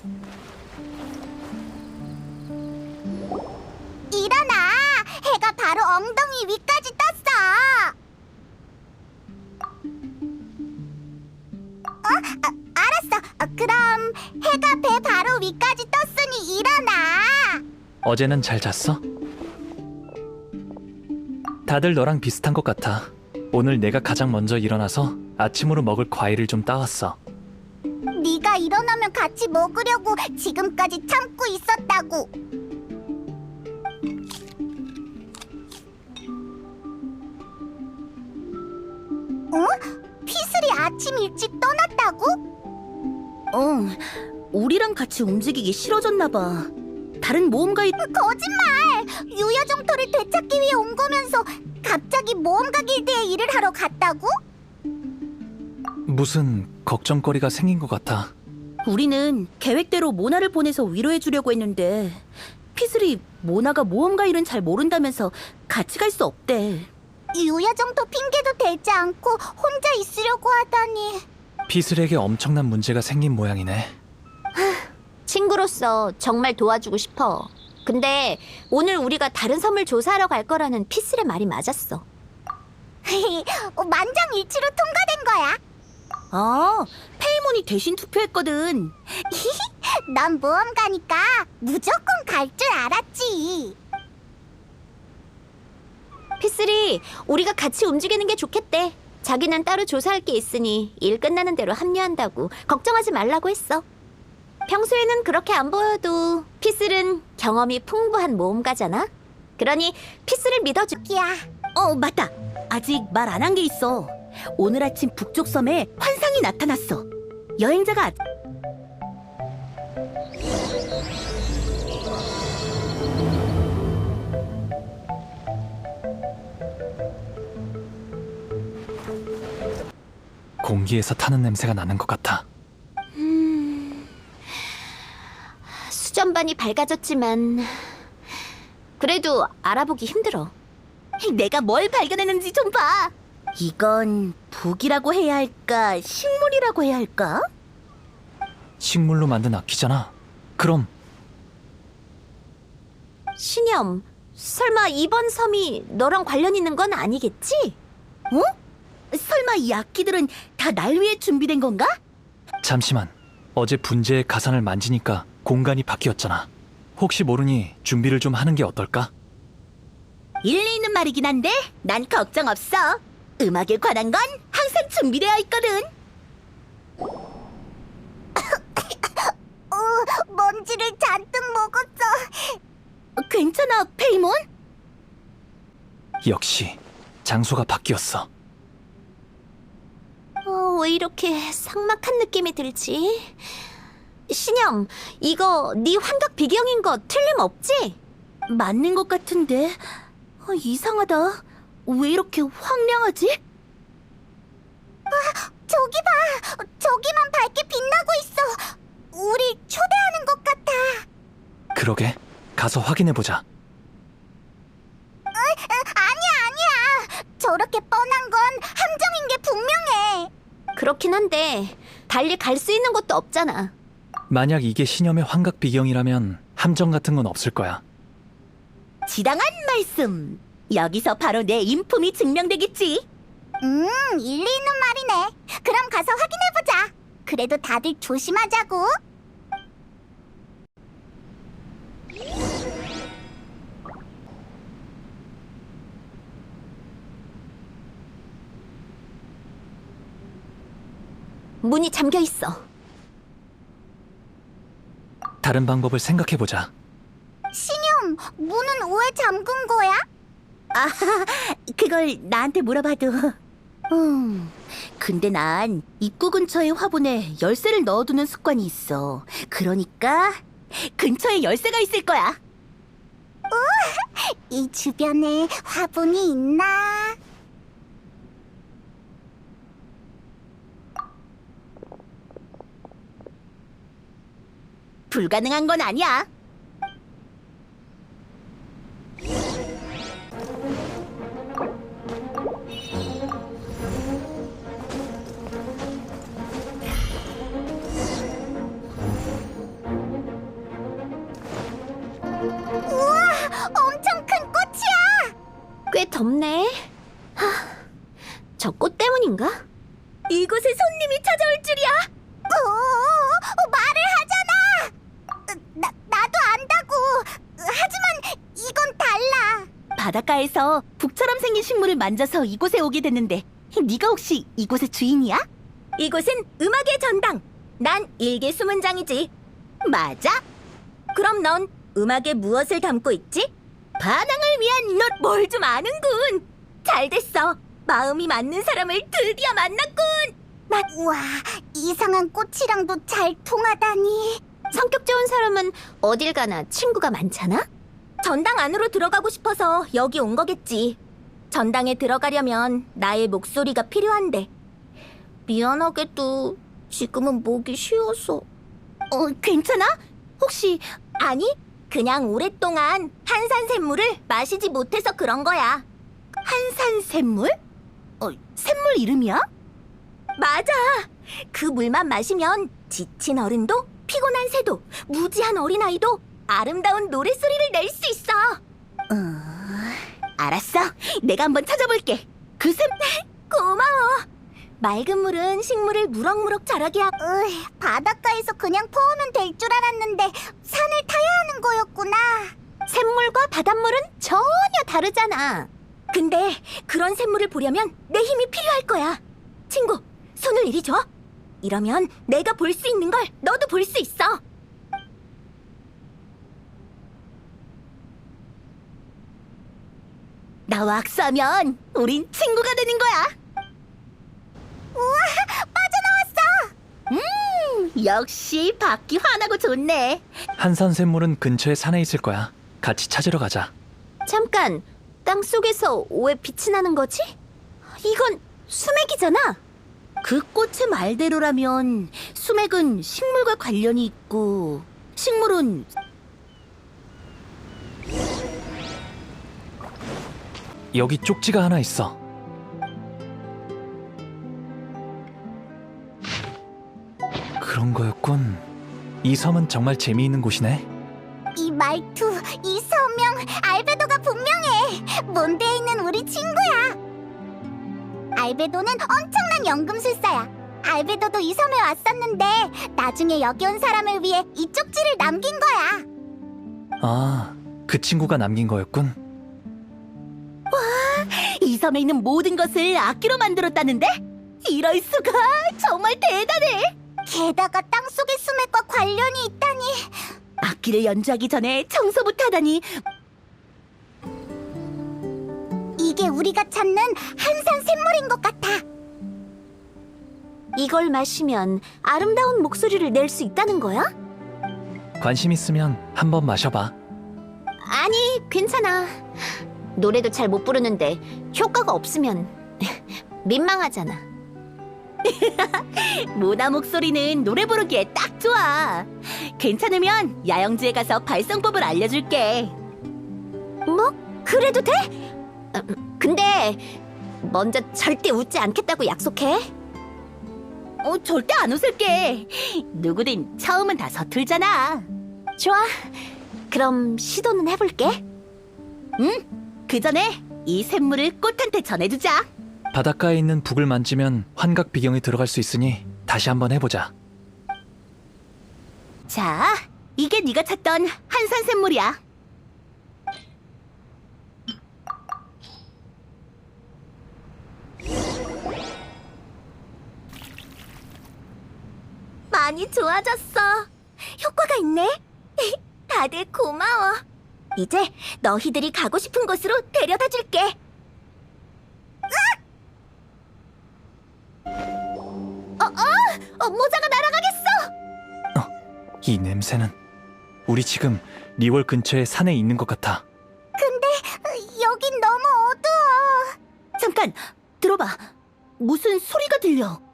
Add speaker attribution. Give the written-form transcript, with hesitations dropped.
Speaker 1: 일어나! 해가 바로 엉덩이 위까지 떴어! 알았어. 그럼 해가 배 바로 위까지 떴으니 일어나!
Speaker 2: 어제는 잘 잤어? 다들 너랑 비슷한 것 같아. 오늘 내가 가장 먼저 일어나서 아침으로 먹을 과일을 좀 따왔어.
Speaker 1: 네가 일어나면 같이 먹으려고 지금까지 참고 있었다고. 피슬이 아침 일찍 떠났다고?
Speaker 3: 우리랑 같이 움직이기 싫어졌나 봐. 다른 모험가의
Speaker 1: 거짓말! 유야정토를 되찾기 위해 온 거면서 갑자기 모험가 길드에 일을 하러 갔다고?
Speaker 2: 무슨 걱정거리가 생긴 것 같아.
Speaker 3: 우리는 계획대로 모나를 보내서 위로해 주려고 했는데 피슬이 모나가 모험가 일은 잘 모른다면서 같이 갈 수 없대.
Speaker 1: 유야정토 핑계도 대지 않고 혼자 있으려고 하다니.
Speaker 2: 피슬에게 엄청난 문제가 생긴 모양이네.
Speaker 4: 친구로서 정말 도와주고 싶어. 근데 오늘 우리가 다른 섬을 조사하러 갈 거라는 피슬의 말이 맞았어.
Speaker 1: 만장일치로 통과된 거야.
Speaker 3: 아, 페이몬이 대신 투표했거든.
Speaker 1: 넌 모험가니까 무조건 갈 줄 알았지.
Speaker 4: 피슬이 우리가 같이 움직이는 게 좋겠대. 자기는 따로 조사할 게 있으니 일 끝나는 대로 합류한다고 걱정하지 말라고 했어. 평소에는 그렇게 안 보여도 피슬은 경험이 풍부한 모험가잖아. 그러니 피슬을 믿어줄게야.
Speaker 3: 맞다. 아직 말 안 한 게 있어. 오늘 아침 북쪽 섬에 환상이 나타났어. 여행자가
Speaker 2: 공기에서 타는 냄새가 나는 것 같아.
Speaker 4: 수전반이 밝아졌지만 그래도 알아보기 힘들어.
Speaker 3: 내가 뭘 발견했는지 좀 봐. 이건 북이라고 해야 할까, 식물이라고 해야 할까?
Speaker 2: 식물로 만든 악기잖아. 그럼
Speaker 4: 신염, 설마 이번 섬이 너랑 관련 있는 건 아니겠지?
Speaker 3: 설마 이 악기들은 다 날 위해 준비된 건가?
Speaker 2: 잠시만. 어제 분재의 가상을 만지니까 공간이 바뀌었잖아. 혹시 모르니 준비를 좀 하는 게 어떨까?
Speaker 3: 일리 있는 말이긴 한데 난 걱정 없어. 음악에 관한 건 항상 준비되어 있거든.
Speaker 1: 먼지를 잔뜩 먹었어.
Speaker 3: 괜찮아, 페이몬?
Speaker 2: 역시 장소가 바뀌었어.
Speaker 4: 왜 이렇게 삭막한 느낌이 들지? 신영, 이거 네 환각 비경인 거 틀림없지?
Speaker 3: 맞는 것 같은데 이상하다. 왜 이렇게 황량하지?
Speaker 1: 저기 봐. 저기만 밝게 빛나고 있어. 우리 초대하는 것 같아.
Speaker 2: 그러게. 가서 확인해보자.
Speaker 1: 아니야. 저렇게 뻔한 건 함정인 게 분명해.
Speaker 4: 그렇긴 한데 달리 갈 수 있는 곳도 없잖아.
Speaker 2: 만약 이게 신념의 환각 비경이라면 함정 같은 건 없을 거야.
Speaker 3: 지당한 말씀. 여기서 바로 내 인품이 증명되겠지.
Speaker 1: 일리 있는 말이네. 그럼 가서 확인해보자. 그래도 다들 조심하자고.
Speaker 4: 문이 잠겨 있어.
Speaker 2: 다른 방법을 생각해보자.
Speaker 1: 신용, 문은 왜 잠근 거야?
Speaker 3: 그걸 나한테 물어봐도. 근데 난 입구 근처의 화분에 열쇠를 넣어두는 습관이 있어. 그러니까 근처에 열쇠가 있을 거야.
Speaker 1: 이 주변에 화분이 있나?
Speaker 3: 불가능한 건 아니야. 바닷가에서 북처럼 생긴 식물을 만져서 이곳에 오게 됐는데 네가 혹시 이곳의 주인이야?
Speaker 4: 이곳은 음악의 전당. 난 일개 수문장이지.
Speaker 3: 맞아?
Speaker 4: 그럼 넌 음악에 무엇을 담고 있지? 반항을 위한 넌 뭘 좀 아는군. 잘 됐어. 마음이 맞는 사람을 드디어 만났군.
Speaker 1: 우와, 이상한 꽃이랑도 잘 통하다니.
Speaker 4: 성격 좋은 사람은 어딜 가나 친구가 많잖아? 전당 안으로 들어가고 싶어서 여기 온 거겠지. 전당에 들어가려면 나의 목소리가 필요한데. 미안하게도 지금은 목이 쉬어서.
Speaker 3: 괜찮아? 혹시
Speaker 4: 아니, 그냥 오랫동안 한산샘물을 마시지 못해서 그런 거야.
Speaker 3: 한산샘물? 샘물 이름이야?
Speaker 4: 맞아. 그 물만 마시면 지친 어른도 피곤한 새도 무지한 어린아이도 아름다운 노랫소리를 낼 수 있어.
Speaker 3: 알았어. 내가 한번 찾아볼게. 그
Speaker 4: 고마워. 맑은 물은 식물을 무럭무럭 자라게 하고.
Speaker 1: 바닷가에서 그냥 퍼오면 될 줄 알았는데 산을 타야 하는 거였구나.
Speaker 4: 샘물과 바닷물은 전혀 다르잖아. 근데 그런 샘물을 보려면 내 힘이 필요할 거야. 친구, 손을 이리 줘. 이러면 내가 볼 수 있는 걸 너도 볼 수 있어.
Speaker 3: 나와 악수하면 우린 친구가 되는 거야. 빠져나왔어. 역시 바퀴 환하고 좋네.
Speaker 2: 한산샘물은 근처에 산에 있을 거야. 같이 찾으러 가자.
Speaker 4: 잠깐, 땅 속에서 왜 빛이 나는 거지? 이건 수맥이잖아.
Speaker 3: 그 꽃의 말대로라면 수맥은 식물과 관련이 있고 식물은
Speaker 2: 여기 쪽지가 하나 있어. 그런 거였군. 이 섬은 정말 재미있는 곳이네.
Speaker 1: 이 말투, 이 서명, 알베도가 분명해. 몬드에 있는 우리 친구야. 알베도는 엄청난 연금술사야. 알베도도 이 섬에 왔었는데 나중에 여기 온 사람을 위해 이 쪽지를 남긴 거야.
Speaker 2: 아, 그 친구가 남긴 거였군.
Speaker 3: 이 섬에 있는 모든 것을 악기로 만들었다는데? 이럴 수가 정말 대단해.
Speaker 1: 게다가 땅속의 수맥과 관련이 있다니.
Speaker 3: 악기를 연주하기 전에 청소부터 하다니.
Speaker 1: 이게 우리가 찾는 한산 샘물인 것 같아.
Speaker 4: 이걸 마시면 아름다운 목소리를 낼 수 있다는 거야?
Speaker 2: 관심 있으면 한번 마셔봐.
Speaker 4: 아니, 괜찮아. 노래도 잘 못 부르는데 효과가 없으면 민망하잖아.
Speaker 3: 모나 목소리는 노래 부르기에 딱 좋아. 괜찮으면 야영지에 가서 발성법을 알려줄게.
Speaker 4: 뭐? 그래도 돼? 근데 먼저 절대 웃지 않겠다고 약속해.
Speaker 3: 절대 안 웃을게. 누구든 처음은 다 서툴잖아.
Speaker 4: 좋아. 그럼 시도는 해볼게.
Speaker 3: 그 전에 이 샘물을 꽃한테 전해주자.
Speaker 2: 바닷가에 있는 북을 만지면 환각 비경이 들어갈 수 있으니 다시 한번 해보자.
Speaker 3: 자, 이게 네가 찾던 한산 샘물이야.
Speaker 4: 많이 좋아졌어. 효과가 있네. 다들 고마워. 이제 너희들이 가고 싶은 곳으로 데려다 줄게. 모자가 날아가겠어.
Speaker 2: 이 냄새는 우리 지금 리월 근처의 산에 있는 것 같아.
Speaker 1: 여긴 너무 어두워.
Speaker 3: 잠깐, 들어봐. 무슨 소리가 들려.